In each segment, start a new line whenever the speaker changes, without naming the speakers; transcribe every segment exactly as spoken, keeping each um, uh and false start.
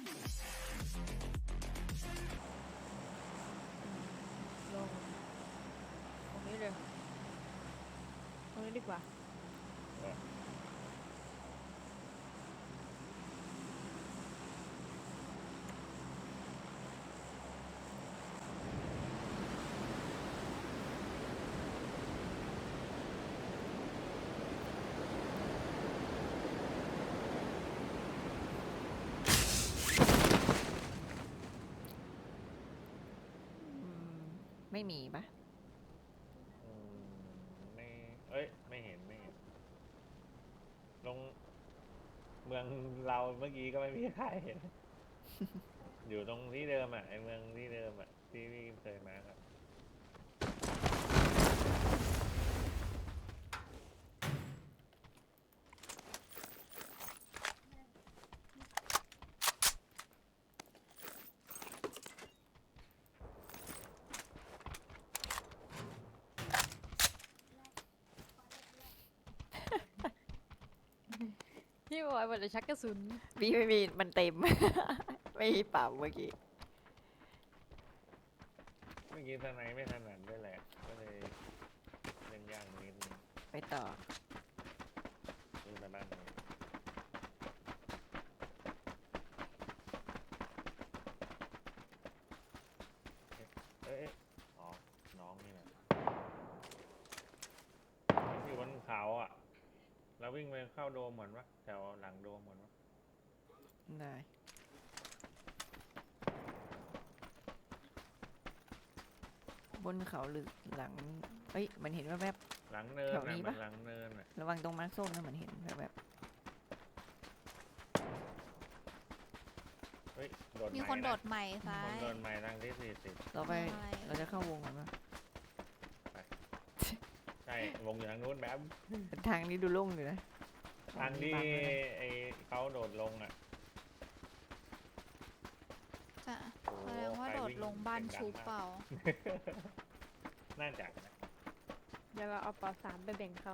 ลงตรงนี้เลยตรงนี้ดีกว่า
ไม่มีปะ
อืมไม่เอ้ยไม่เห็นไม่เห็นลงเมืองเราเมื่อกี้ก็ไม่มีใครเห็น อยู่ตรงที่เดิมอ่ะไอเมืองที่เดิมอ่ะที่พี่เคยมาครับ
พี่บอยมันจะชักกระสุน
พี่ไม่มีมันเต็ม ไม่มีเป่าเมื่อกี้
เมื่อกี้ทนายไม่ถนัดด้วยแหละก็เลยเล่นยากนิดนึง
ไปต่อ
นี่ไปบ้านนี้เอ๊ะเอ๊ะอ๋อน้องนี่แหละอยู่บนเขาอ่ะเราวิ่งไปเข้าโดมเหมือนวะแถวหลังโดมเหมือนวะ
ได้บนเขาหรือหลังเอ้ยมันเห็นว่าแวบ
หลังเนิน
แถว
น่ะ
นี้
มั
ปะ
นหลังเนินอ่ะ
ระวังตรงมาร์คส้มนะมันเห็นแบบแบบ
เฮ้ยโดด
มี
ไม้
คนโด
นะ
ดใหม่ซ้า
คน
ย
โดดไม้ทางที่สี่สิบ
เราไป
ใช่
เราจะเข้าวงกันปะ
ใช่วงอยู่ทางนู้นแบบ
ทางนี้ดูโล่งอยู่นะ
ทางที่
บังไว้นะ
ไอ้เขาโดดลงอ่ะ
จะ
โอ้
แสดงว่า
ใคร
โดด
วิ่
ลงบ้าน
เสี
ชุ
ย
บ
งดังมก
เปล่า
น่าจะนะ
เดี๋ยวเราเอาปอสามไปแบ่งเขา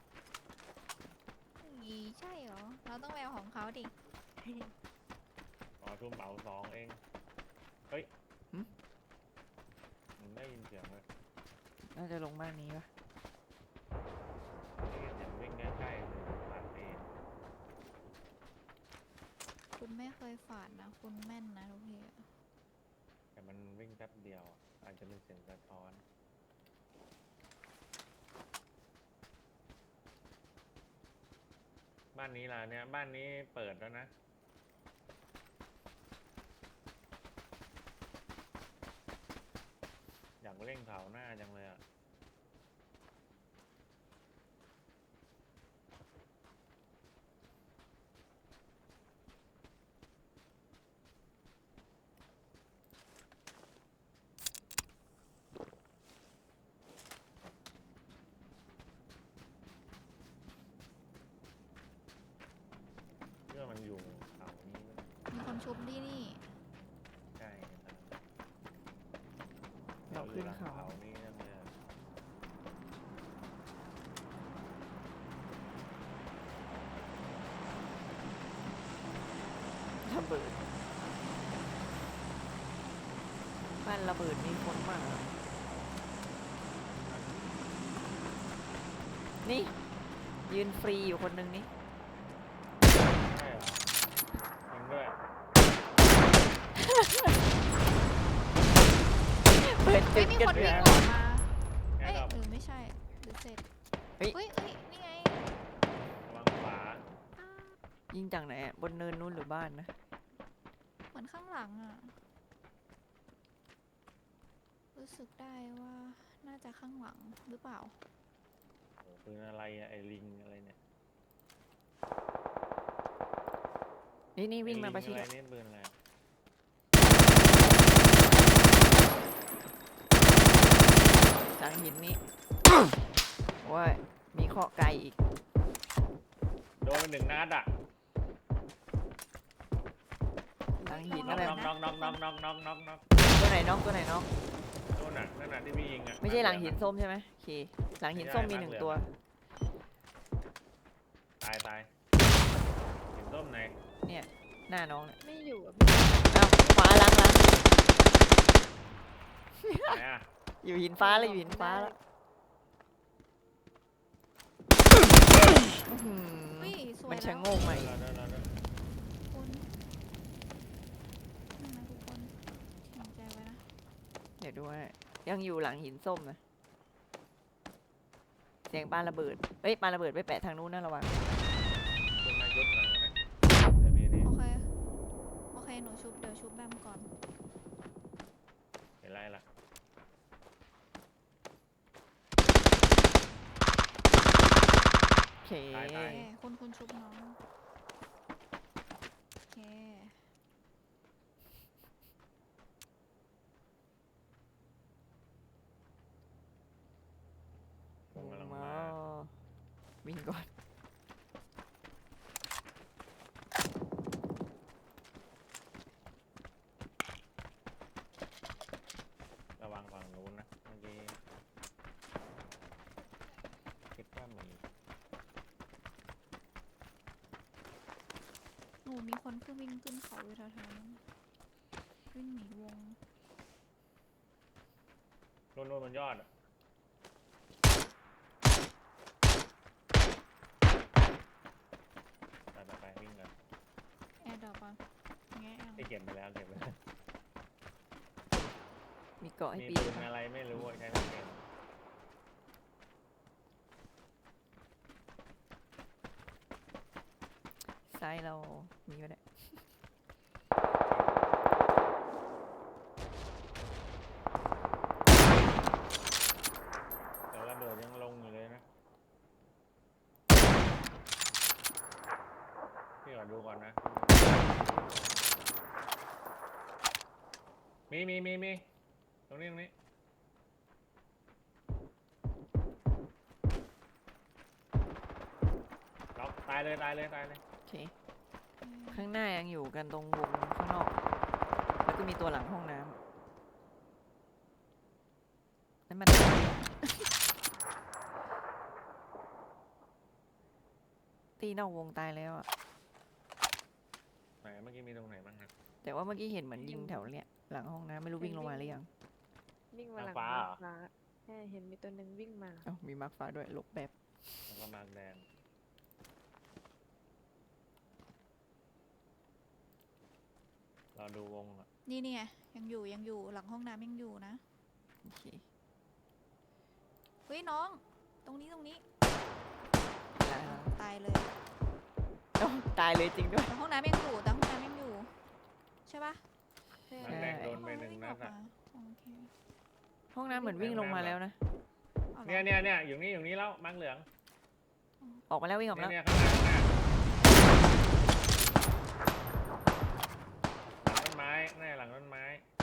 อีใช่เหรอ เราต้องแววของเขาดิ
อ๋อทุ่มเป๋าสองเองเฮ้ยมันได้ยินเสียงเลย
น่าจะลงบ้านนี้ปะ
ได้ยินเสียงวิ่งใกล้ๆเลยผ่านเอง
คุณไม่เคยฝาดนะ คุณแม่นนะทุกทีอะ
แต่มันวิ่งแป๊บเดียวอะอาจจะเป็นเสียงสะท้อนบ้านนี้ล่ะเนี่ยบ้านนี้เปิดแล้วนะอยากเล่นเขาหน้าจังเลยอ่ะเพื่อมันอยู่เขานี้
มีคนชุบที่นี่
ใช่ครับ
เราขึ้นเขา
เขานี่นั่นเลยอะ
ระเบิดบ้านระเบิดมีคนมานี่ ยืนฟรีอยู่คนหนึ่งนี่
ใช่เหรอจริงด้วย
เปิด
เฮ้
จุ
ย
ด
มี
กัน
คน
เล
วิ่
ย
งออกมา
แอ
เอ้ย
ร์ดรอป
หรือไม่ใช่ หรือเสร็จ
เฮ้ย
เฮ้ยเฮ้ยนี่ไง
ระวังขวา
ยิงจากไหนอะบนเนินนู้นหรือบ้านนะ
เหมือนข้างหลังอ่ะ รู้สึกได้ว่าน่าจะข้างหลังหรือเปล่า
โอ้ปืนอะไรอะไอลิงอะไรเนี่ย
นี่นี่วิ่งมาประชิด
ไอลิ
อะ
งอะไรนี่ปืนอะไร
หลังหินนี่โอ้ยมีเคาะไกลอีก
โดนไปหนึ่งนัดอ่ะ
หลังหิน
น็
อะ
อก
ไร
น็อกน็อกน็อกน็อกน็อกน็อกน็อกน็อก
ตัวไหนน้องตัวไหนน้อง
โน่นน่ะนั่นน่ะที่พี่ยิงอ่ะ
ไม่ใช่หลังหินส้มใช่ไหมโอเคหลังหินส้มมีหนึ่งตัว
ตายตายหินส้มไหน
หน้าน้องเนี่ย
ไม่อยู่อะ
เอ้าขวาล้างล้าง
ไหนอ่ะ
อยู่หินฟ้าเลยอยู่หินฟ้าแล้วอื้อหือ
อุ้ยสวย
มัน
แล้
ชะ
ว
โงกใหม่
เดินเดินเดินเดิน
คุณนั่นนะทุกคนสนใจไว้นะ
เดี๋ยวดูให้ยังอยู่หลังหินส้มนะเสียงปาระเบิดเอ้ยปาระเบิดไปแปะทางนู้นนะระวัง
ขึ้นมายุดหน่อยก็ได้เดี๋ยวมีนี่
โอเค โอเค หนูชุบ เดี๋ยวชุบแบมก่อน
เห็นไรล่ะ
โอเค
ตาย
โอ
ตาย
เค คุณคุณชุบน้อง โอเค
วงกำลังมา
วิ่งก่อน
ระวังฝั่งนู้นนะเมื่อกี้คิดว่ามี
หนูมีคนเพิ่งวิ่งขึ้นเขาอยู่แถวๆนั้นวิ่งหนีวง
นู่นนู่นบนยอดอะไปไปไปวิ่งกัน
แอร์ดรอปก่อนแงะเอา
ไอ้เก็บไปแล้วเก็บไปแล้ว
มีเกาะให้
มี
ปีน
ปืน
ปะ
อะไรไม่รู้อะใช้ไม่เป็น
ซ้ายเรามีก็ได้
แต่ระเบิดยังลงอยู่เลยนะพี่ขอดูก่อนนะ มีมีมีมีตรงนี้ตรงนี้ล็อกตายเลยตายเลยตายเลย
โอเค ข้างหน้ายังอยู่กันตรงวงข้างนอก แล้วก็มีตัวหลังห้องน้ำนั่นมัน ตีนอกวงตายแล้วอะ
ไหนเมื่อกี้มีตรงไหนบ้างนะ
แต่ว่าเมื่อกี้เห็นเหมือนยิงแถวเนี้ยหลังห้องน้ำไม่รู้วิ่งลงมาหรือยัง
วิ่งมาหลัง
ฟ้า
มา
เหรอ
ฟ้าใช่เห็นมีตัวหนึ่งวิ่งมา
เอ้ามีมาร์คฟ้าด้วยหลบแบบ
แล้วก็มาร์กแดงเราดูวงอ่ะ
นี่เนี่ยยังอยู่ยังอยู่หลังห้องน้ำยังอยู่นะ
โอเค
เฮ้ยน้อง ตรงนี้ตรงนี้
ตายแล้ว
ตายเลย
เอ้าตายเลยจริงด้วย
แต่ห้องน้ำยังอยู่แต่ห้องน้ำยังอยู่ ใช่ปะ
ใช่
มาร์กแดงโดนไปหนึ่งนัด
อ๋อ
อ่ะ
วิ่งออกมาโอเค
ห้องน้ำเหมือนวิ่งลงมาแล้วนะ
อาหรอ
เนี่ยเนี่ยเนี่ยอยู่นี่อยู่นี่แล้วมาร์กเหลือง
ออกมาแล้ววิ่งออกมา
เนี่ย
แล้ว
เนี่ยข้างหน้าข้างหน้าหลังต้นไม้แน่หลังต้นไม้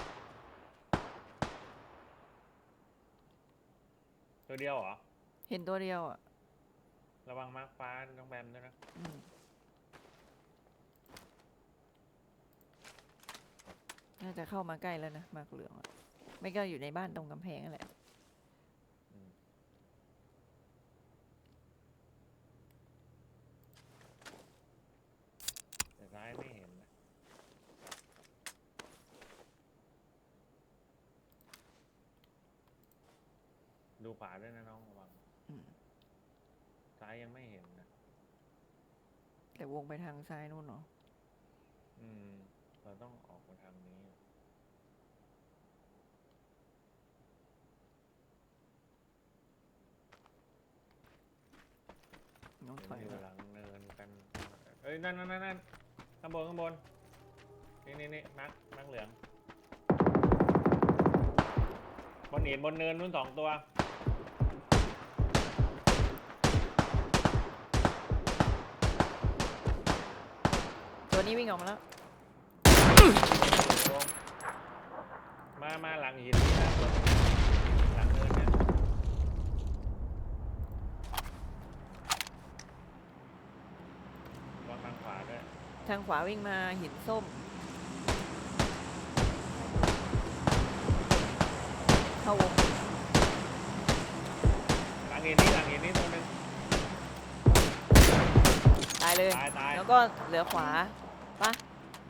ตัวเดียวเหรอ
เห็นตัวเดียวอ่ะ
ระวังมาร์กฟ้าต้องแบมด้วยนะ
อืมน่าจะเข้ามาใกล้แล้วนะมาร์คเหลืองอะไม่ก็อยู่ในบ้านตรงกำแพงนั่นแหละ
อืมแต่ซ้ายไม่เห็นนะดูขวาด้วยนะน้องระวัง
อืม
ซ้ายยังไม่เห็นนะ
แต่วงไปทางซ้ายนู่นเนาะ
อืม เราต้องออกมาทางนี้
น้อง
เห็น
ถอย
อยู่
มา
หลังเนินกัน เอ้ย นั่นนั่นนั่นนั่นข้างบนข้างบน นี่นี่นี่มักมักเหลือง บนหินบนเนินนู้นสองตัว
ตัวนี้วิ่งออกมาแล้ว
ลงมา มาหลังหินนี่นะตัวหลังเนินเนี่ยวางทางขวาด้วย
ทางขวาวิ่งมาหินส้ม เข้าวง
หลังหินนี่หลังหินนี่ตัวหนึง
ตายเลย
ตายตาย
แล้วก็เหลือขวาปะ
อ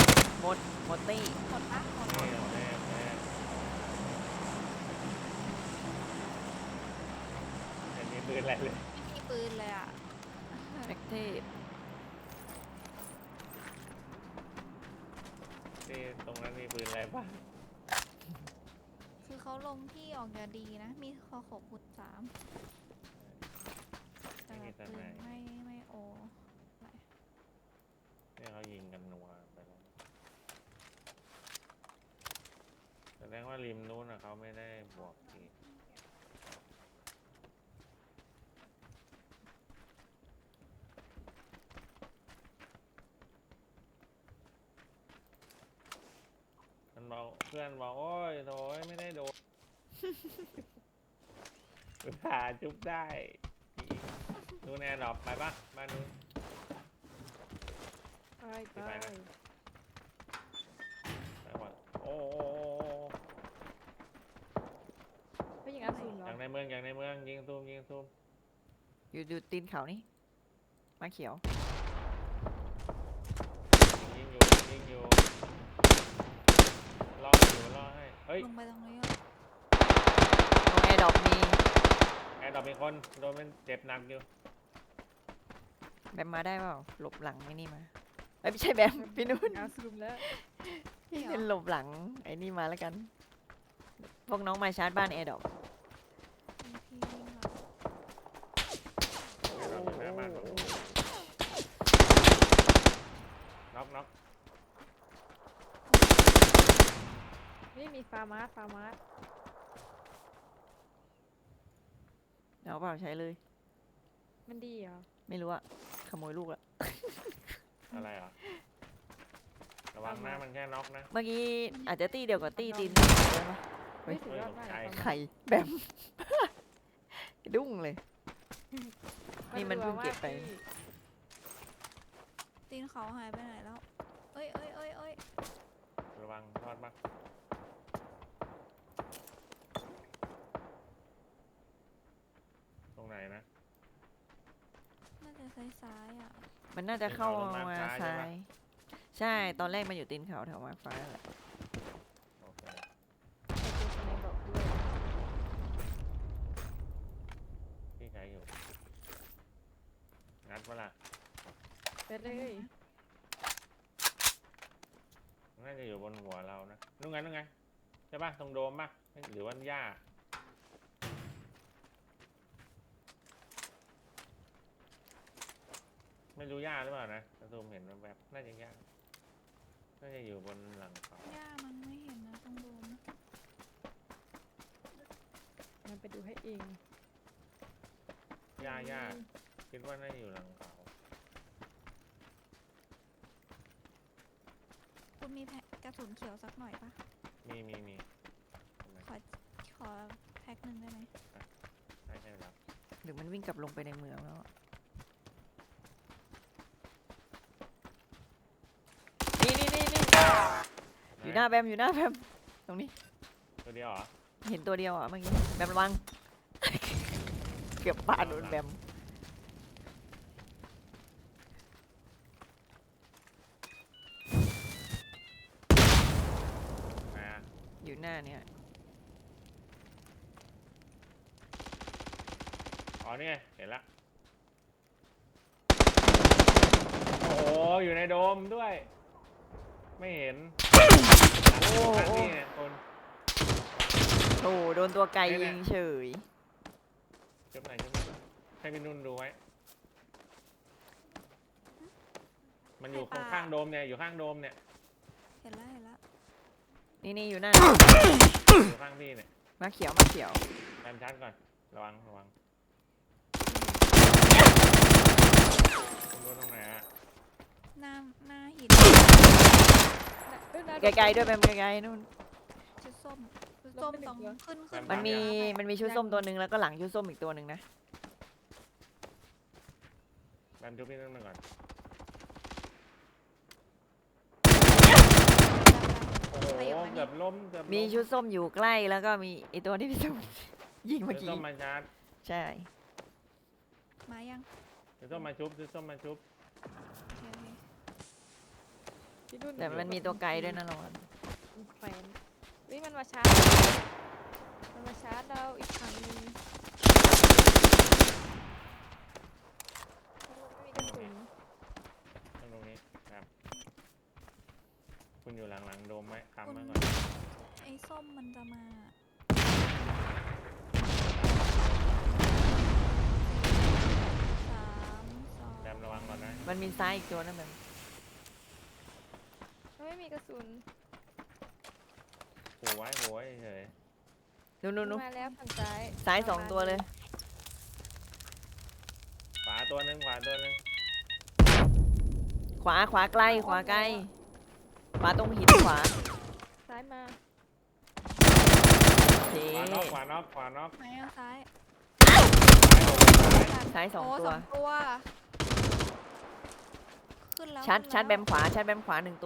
ดหมดตี้
หมดปะหมดหม
นี่
ด
เอาแน่แน่อันนี้ปืนอะไรเลย
ไม่มีปืนเลยอ่ะ
แม็กเทพ
ที่ตรงนั้นมีปืนอะไรบ้าง
คือเขาลงที่ออกจะดีนะ มีคอขบขุดสามแต่
ไม่มี
แบบ
ส
ปื
ไน
น
ป์
ไม่ไม่โอไหล
เนี่ยเขายิงกันนัวไปแล้วแสดงว่าริมนู้นนะเขาไม่ได้บวกทีมันบอกเพื่อนบอกโอ้ยโถยไม่ได้โดน อุตส่าห์จุบได้นู้นแอร์ดรอปไปปะบ้านนู้น
ไปไป
ไปนะ ไปก่อนโอ้โอ้โอ้โอ้
ไม่ยิงอาสูรเหรอ
อย่างในเมืองอย่างในเมืองยิงซูมยิงซูม
อยู่อยู่ตีนเขานี่มาเขียว
ยิงอยู่ยิงอยู่รออยู่รอให้เฮ้ย
ลงไปตรงนี้อ่ะ
ตรงแอร์ดรอปมี
แอร์ดรอปมีคนโดนมันเจ็บหนักอยู่
แบมมาได้เปล่าหลบหลังไอ้นี่มาเอ้ยไม่ใช่แบมพี่นุ่น
อาสูรแล้ว
พี่เป็นหลบหลังไอ้นี่มาแล้วกัน พวกน้องมาชาร์จบ้านแอร์ดรอป
มีพี่วิ่งมา
แอร์ดรอปอยู่หน้าบ้านผมน็อกน็อก
นี่มีฟาร์มาสฟาร์มาส
เอาเปล่าใช้เลย
มันดีเหรอ
ไม่รู้อะขโมยลูกละ
อะไรอ่ะระวังหน้ามันแค่น็อกนะ
เมื่อกี้อาจจะตีเดียวกับตีตีนได้ปะ เฮ้
ไม่
ย
สุดยอดมาก
เฮ้ย
อะ
ไข่แบม ดุ้งเลย นี่มันเพิ่งเก็บไป
รัวากพี่
ตีนเขาหายไปไหนแล้ว เอ้ยเอ้ยเอ้ยเอ้ย
ระวังรอดปะตรงไหนนะ
น่าจะซ้ายๆอ่ะ
มันน่าจะเข้า
ตีนเขาลง
มา
มาซ้ายใช่
ซ้า
ปะ
ย ใช่ ตอนแรกมันอยู่ตีนเขาแถวมาฟ้าแหละ
โอเค
ไอ้ตัวสไนเปอร์บอกด้วย
พี่ใช้อยู่งัดเวลา
ไปเลย
น่าจะอยู่บนหัวเรานะนู่นไงนู่นไงใช่ปะตรงโดมปะหรือว่าหญ้าไม่รู้หญ้าหรือเปล่านะแต่ซูมเห็นแวบๆน่าจะหญ้าน่าจะอยู่บนหลังเขา
ย่ามันไม่เห็นนะต้องโดน
มันไปดูให้เอง
หญ้าหญ้าคิดว่าน่าจะอยู่หลังเขา
คุณมีแพ็คกระสุนเขียวสักหน่อยปะ
มีมีมีทำไม
ขอขอแพ็คหนึ่งได้ไหม
ใช่ใช่แล้ว
หรือมันวิ่งกลับลงไปในเมืองแล้วอะนี่นี่นี่นี่อยู่หน้าแบมอยู่หน้าแบมตรงนี้
ตัวเดียวเหรอ
เห็นตัวเดียวอ่ะเมื่อกี้แบมระวัง เกือบปาดโดนแบม
อ่า
อยู่หน้าเนี่ย
อ๋อนี่ไงเห็นละโอ้โหอยู่ในโดมด้วย ไม่เห็นโอ้โหนี่เนี่ยคน
โอ้โดนตัวไกล
เนี่ย
ยิงเฉย
จุบไหนจุบไหนให้พี่นุ่นดูไว้ มันอยู่ข้างๆโดมเนี่ยอยู่ข้างโดมเนี่ย
เห็นแล้วเห็นแล้ว
นี่นี่อยู่หน้า
อยู่ข้างพี่เนี่ย
มาเขียวมาเขียว
แอมชัดก่อนระวังระวังคุณดูตรงไหนอะ
หน้าหน้าหิน
เอ้ยน่า
ไกลๆด้วยแบมไกลๆนู่น
ชุดส้มชุดส้ม
ลบไปหนึ่
สอง ง
เหรอ
ขึ้นขึ้น
มันมี
ไป
มันมีชุดส้มตัวหนึ่งแล้วก็หลังชุดส้มอีกตัวหนึ่งนะ
แอมจุบพี่นุ่นมาก่อนโอ้โห
ขยับมา
เกื
นี่
อบล้มเกือบล้
มีชุดส้มอยู่ใกล้แล้วก็มีไอตัวที่พี่ส้ม ยิงเมื่อ
ซื้อ
กี้
ส้มมาชาร์จ
ใช่
มายัง
ซื้อส้มมาชุบซื้อส้มมาชุบ
โอเคโอเค
พี่นุ่น
แต่มันมีตัวไกลด้วยนะระวัง
มันแขวนวิมันมาชาร์จมันมาชาร์จเราอีกครั้งหนึงไม่มีกระสุน
ตรงนี้ครับ คุณอยู่หลังๆโดมไหมค้ำ
คุณ
ไว้ก่อน
ไอ้ส้มมันจะมาสามสอง
แจมระวังก่อนนะ
มันมีซ้ายอีกตัวนั่นแบบ
มันไม่มีกระสุน
ผูไว้ผูไว้เฉย
นู้นนู้นนู้น
มาแล้วฝั่งซ้าย
ซ้าย
ประ
สอง
มณ
ตัวเลย
ขวาตัวหนึงขวาตัวหนึง
ขวาขวาไกลขวาใกล้ขวาตรงหินขวา
ซ้ายมา
โอเค
ขวาน็อกขวาน็อกขวาน็อก
ไหนเอาซ้าย
ซ้ายสอง
โอ้
ตัว
สองตัว ขึ้นแล้ว
ชัด
ขึ้น
ชัดแบ
ล้ว
มขวาชัดแบมขวาหนึ่งตัว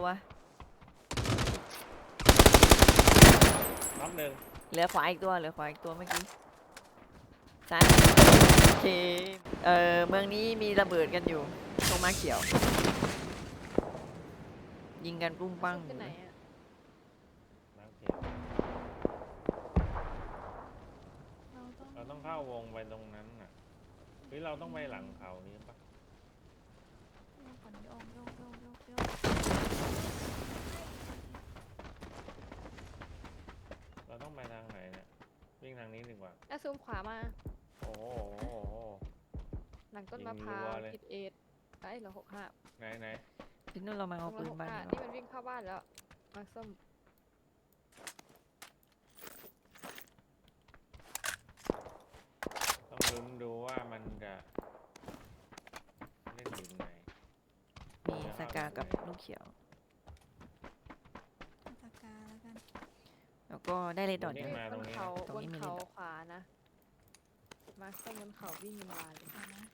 น็อกหนึ่ง
เหลือขวาอีกตัวเหลือขวาอีกตัวเมื่อกี้ซ้ายโอเคเออเมืองนี้มีระเบิดกันอยู่ตรงมาเขียว ยิงกันปุ้งปัง
กระสุนไปไหนอะ
น็อกเขียว
เราต้อง
เราต้องเข้าวงไปตรงนั้นน่ะหรือเราต้องไปหลังเขานี้ปะ
โยกก่อนโยกโยกโยกโยกโยก
เราต้องไปทางไหนเนี่ยวิ่งทางนี้ดีกว่า
แล้วซูมขวามา
โอ้โหโอ้โหโอ้โห
หลังต้น
ยิง
มะพร้าว
รัวเลย
ผิดเอ็ดไอ้เหรอหกห้า
ไหนไหน
พี่นุ่นเรามา
ตร
เอา
ง
ปื
ละ
น
หก
บ้าน
ห้า
ดีก
นี่
ว่า
มันวิ่งเข้าบ้านแล้ว มาส้ม
ต้องลุ้นดูว่ามันจะเล่นอยู่ไหน
มีสกากับลูกเขียว
เอาปากกาแล้วกัน
แล้วก็ได้เลยดอด
วิ่
เดี
ง
ยว
มา
บ
ตรง
น
นี้
เขา
ตรง
บ
นี้
น
มี
เขา
ลิฟต์
ขวานะ มาส้มบนเขาวิ่งมาเลย
เอานะ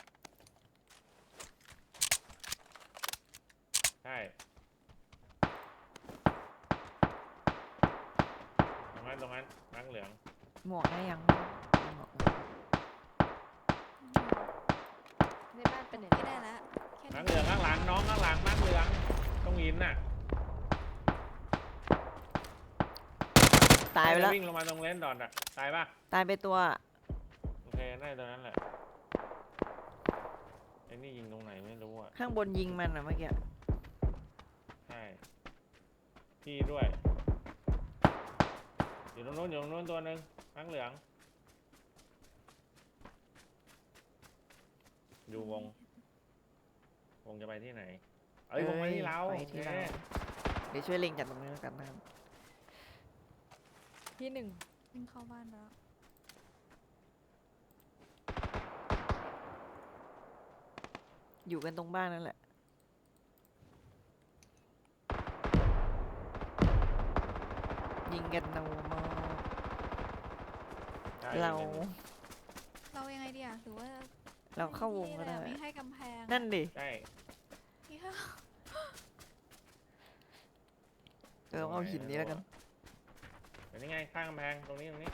ใช่ตรงนั้นตรงนั้นนักเหลือง
หมวกได้ยังหมวก
ในบ้านเป็นไหน
ไม่ได้แล้วแค่
นั
นี้
กเหลืองข้างหลังน้องข้างหลังนักเหลืองต้องหินน่ะ
ตายไปแล้ว
วิ่งลงมาตรงเลนดอทอ่ะตายปะ
ตายไปตัว
โอเคได้ตัวนั้นแหละไอ้นี่ยิงตรงไหนไม่รู้อ่ะ
ข้างบนยิงมันอะเมื่อกี้
ใช่พี่ด้วยอยู่ตรงนู้นอยู่ตรงนู้นตัวหนึ่งนักเหลืองดูวงวงจะไปที่ไหนเอ้ยวงไปที่เรา
ไปที่เรา
โอเค
เดี๋ยวช่วยเล็งจากตรงนี้แล้วกันนะครับ
ที่หนึ่ง
วิ่งเข้าบ้านไปแล้ว
อยู่กันตรงบ้านนั่นแหละ ยิงกันเอามา
ใช่
เรา
เรายังไงดีอะหรือว่า
เราเข้าวงก็ได้
ไม่ให้กำแพงอะ
นั่นดิ
ใช่
เนี่ย
เออเอาหินนี้แล้วกัน
เดี๋ยวนี้ไงข้างกำแพงตรงนี้ตรงนี้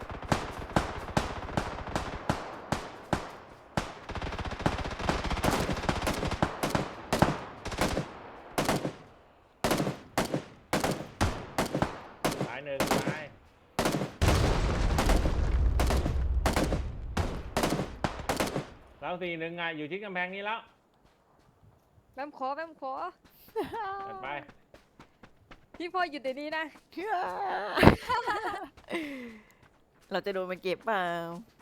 ซ้ายหนึ่งซ้ายเราสี่หนึ่งไงอยู่ที่กำแพงนี้แล้ว
แบมขอแบมขอ
เปิดไป
พี่พ่อหยุดเดี๋ยวนี้นะ
เราจะโดนมันเก็บเปล่า